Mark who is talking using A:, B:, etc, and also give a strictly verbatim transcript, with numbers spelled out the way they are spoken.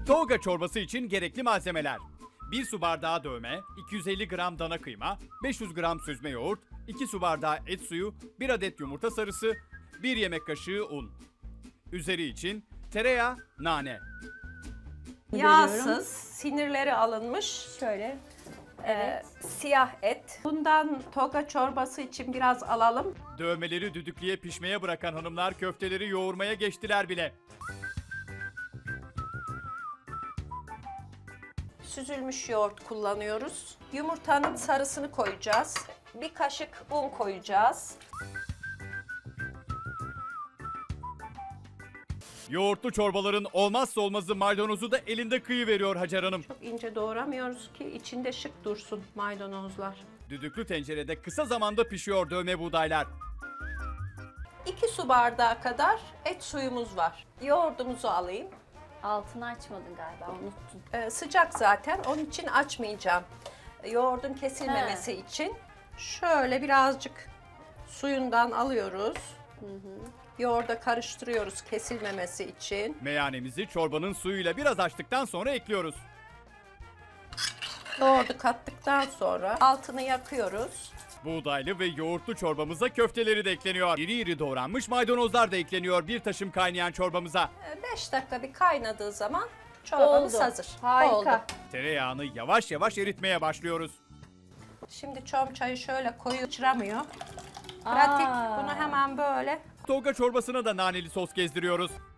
A: Toga çorbası için gerekli malzemeler: bir su bardağı dövme, iki yüz elli gram dana kıyma, beş yüz gram süzme yoğurt, iki su bardağı et suyu, bir adet yumurta sarısı, bir yemek kaşığı un. Üzeri için tereyağı, nane.
B: Yağsız, sinirleri alınmış,
C: Şöyle.
B: e, siyah et. Bundan toga çorbası için biraz alalım.
A: Dövmeleri düdüklüye pişmeye bırakan hanımlar köfteleri yoğurmaya geçtiler bile.
B: Süzülmüş yoğurt kullanıyoruz. Yumurtanın sarısını koyacağız. Bir kaşık un koyacağız.
A: Yoğurtlu çorbaların olmazsa olmazı maydanozu da elinde kıyıveriyor Hacer Hanım.
B: Çok ince doğramıyoruz ki içinde şık dursun maydanozlar.
A: Düdüklü tencerede kısa zamanda pişiyor dövme buğdaylar.
B: iki su bardağı kadar et suyumuz var. Yoğurdumuzu alayım.
C: Altını açmadın galiba, unuttun.
B: Ee, sıcak zaten, onun için açmayacağım. Yoğurdun kesilmemesi
C: He.
B: için şöyle birazcık suyundan alıyoruz. Yoğurda karıştırıyoruz kesilmemesi için.
A: Meyanemizi çorbanın suyuyla biraz açtıktan sonra ekliyoruz.
B: Yoğurdu kattıktan sonra altını yakıyoruz.
A: Buğdaylı ve yoğurtlu çorbamıza köfteleri de ekleniyor. İri iri doğranmış maydanozlar da ekleniyor bir taşım kaynayan çorbamıza.
B: beş dakika bir kaynadığı zaman çorbamız
C: Oldu.
B: hazır.
C: Harika.
B: Oldu.
A: Tereyağını yavaş yavaş eritmeye başlıyoruz.
B: Şimdi çom çayı şöyle koyu sıçramıyor. Pratik.
C: Aa.
B: Bunu hemen böyle
A: Toga çorbasına da naneli sos gezdiriyoruz.